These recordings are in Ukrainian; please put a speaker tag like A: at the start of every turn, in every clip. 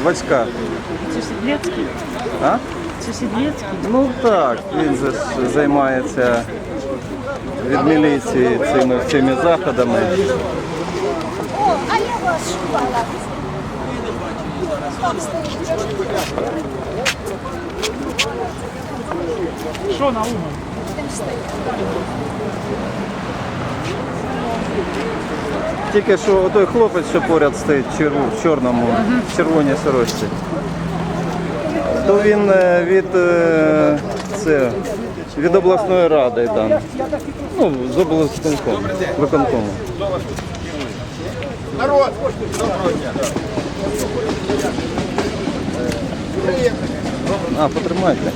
A: Васька.
B: Це Сідлецький?
A: А?
B: Це Сідлецький?
A: Ну так, він же ж займається від міліції цими заходами.
C: О, а я вас шукала. Там стоїть.
B: Що на уму?
C: Там стоїть.
A: Тільки що той хлопець, що поряд стоїть в чорному, в червоній сорочці, то він від обласної ради там. Ну, з виконкому.
D: Народ! Доброго дня!
A: А, потримайте.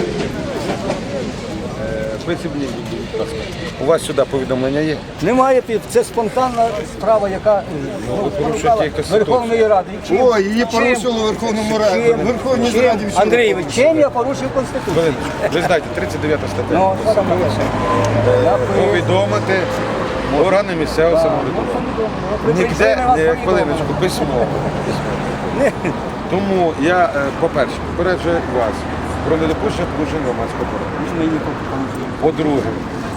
D: Прицільні, будь ласка. У вас сюди повідомлення є?
E: Немає, це спонтанна справа, яка
D: порушуєте якось
E: Верховної Ради. Чим?
D: О, її порушили в Верховному Раді.
E: Чим?
D: Верховній
E: Чим?
D: Раді.
E: Андрійович, чим я порушив Конституцію?
D: Хвилиночку. Ви знаєте, 39 стаття.
E: Ну, що там написано?
D: Повідомити органи місцевого самоврядування. Ніде, хвилиночку, письмово. Тому я, по-перше, попереджую вас про недопущення порушень громадського порядку. По-друге,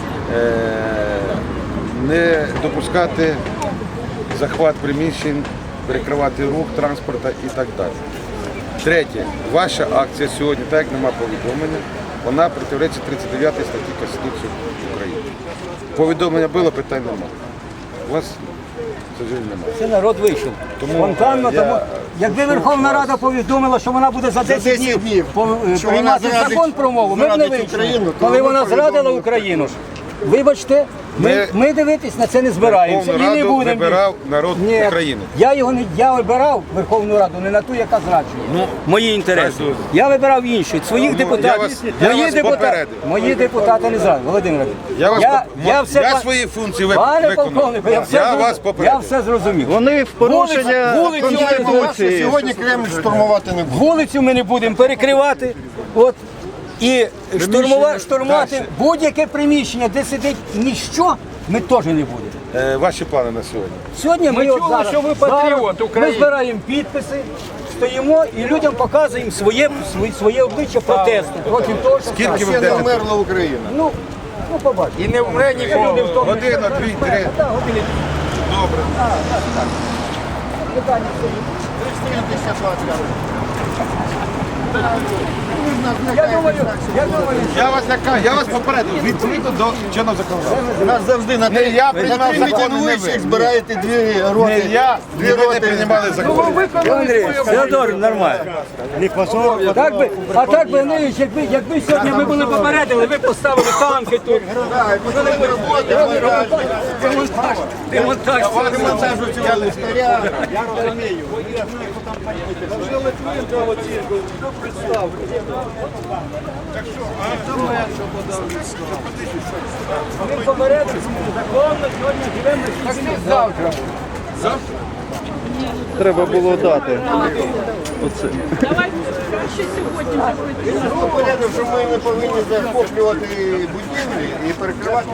D: не допускати захват приміщень, перекривати рух транспорту і так далі. Третє, ваша акція сьогодні, так як немає повідомлення, вона протиречить 39 статті Конституції України. Повідомлення було, питань немає. У вас, к сожалению, немає.
E: Це народ вийшов. Спонтанно, тому якби Верховна Рада повідомила, що вона буде за 10 днів приймати закон про мову, ми б не вийшли. Коли вона зрадила Україну, вибачте, ми дивитись на це не збираємося і не
D: Верховну Раду
E: будемо.
D: вибирав народ
E: Ні,
D: України.
E: я вибирав Верховну Раду не на ту, яка зраджує. Мої інтереси.
D: так.
E: Я вибирав інші, своїх депутатів.
D: я вас попередив.
E: Мої депутати не зраджують. Володимир,
D: Я
E: все
D: свої функції
E: Пане
D: виконав.
E: полковнику,
D: Я
E: я все зрозумів.
A: Вони в порушення Конституції.
D: Сьогодні Кремль штурмувати не буде.
E: Вулицю ми не будемо перекривати. І штурмувати будь-яке приміщення, де сидить ніщо, ми теж не будемо.
D: Ваші плани на сьогодні?
E: Сьогодні ми
B: чули,
E: зараз,
B: що ви патріот
E: зараз
B: України.
E: Ми збираємо підписи, стоїмо і людям показуємо своє обличчя протесту проти того, що
D: Скільки ви
E: сталося.
D: будете? Померла Україна.
E: Ну, побачимо.
D: І не вмре нікого. Година, дві, три. Добре. Я вас лякаю, я вас попередив. Відповідно до чинного законодавства.
F: Нас завжди на
D: Не я приймав закони, не ви.
F: збираєте дві роти.
D: Не я, не ви не приймали закони.
E: Андрій, Феодор, нормально. Так би, Андрійович, якби сьогодні ми були попередили, ви поставили танки тут. Демонтаж. Ми попередили, законно сьогодні живемо на 6 завтра.
A: Треба було дати. Оце.
B: Давай краще сьогодні вже пройти.
F: Порядок, що ми не повинні захоплювати будівлі і перекривати.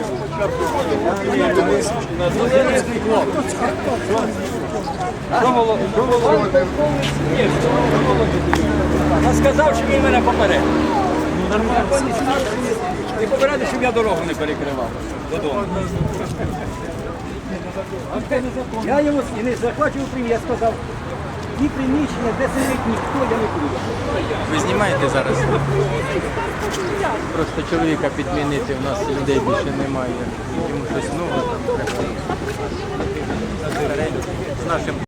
E: Я сказав, що він мене попередив. І попередив, щоб я дорогу не перекривав додому. Я йому і не захвачував приміщення, я сказав, ті приміщення, де сидить ніхто, я не буду.
G: Ви знімаєте зараз? Просто чоловіка підмінити, у нас людей більше немає. Йому щось нове там треба. З нашим